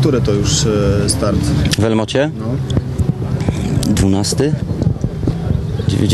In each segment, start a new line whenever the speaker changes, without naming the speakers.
Który to już start?
W Elmocie?
No.
12? W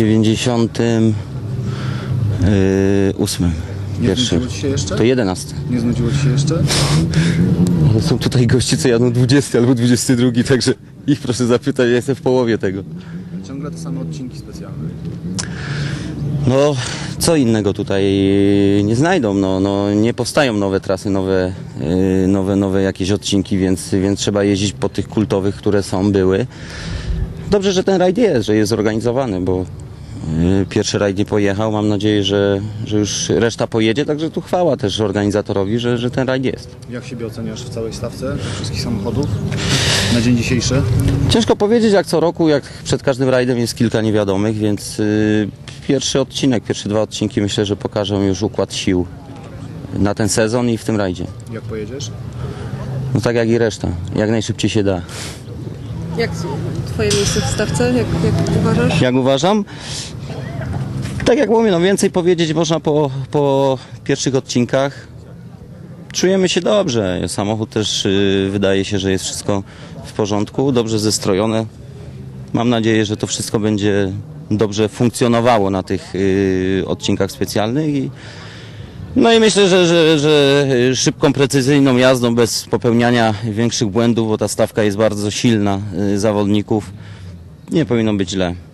98.
Nie
Pierwszy.
znudziło Ci się jeszcze?
To 11.
Nie znudziło Ci się jeszcze?
Ale są tutaj goście, co jadą 20 albo 22, także ich proszę zapytać, ja jestem w połowie tego.
Ciągle te same odcinki specjalne.
No, co innego tutaj nie znajdą, no, nie powstają nowe trasy, nowe jakieś odcinki, więc trzeba jeździć po tych kultowych, które były. Dobrze, że ten rajd jest, że jest zorganizowany, bo pierwszy rajd nie pojechał, mam nadzieję, że już reszta pojedzie, także tu chwała też organizatorowi, że ten rajd jest.
Jak siebie oceniasz w całej stawce tych wszystkich samochodów na dzień dzisiejszy?
Ciężko powiedzieć, jak co roku, jak przed każdym rajdem jest kilka niewiadomych, więc pierwszy odcinek, pierwsze 2 odcinki myślę, że pokażą już układ sił na ten sezon i w tym rajdzie.
Jak pojedziesz?
No tak jak i reszta, jak najszybciej się da.
Jak twoje miejsce w stawce? Jak uważasz?
Jak uważam? Tak jak mówię, no więcej powiedzieć można po pierwszych odcinkach. Czujemy się dobrze. Samochód też wydaje się, że jest wszystko w porządku, dobrze zestrojone. Mam nadzieję, że to wszystko będzie dobrze funkcjonowało na tych odcinkach specjalnych. No i myślę, że szybką, precyzyjną jazdą, bez popełniania większych błędów, bo ta stawka jest bardzo silna zawodników, nie powinno być źle.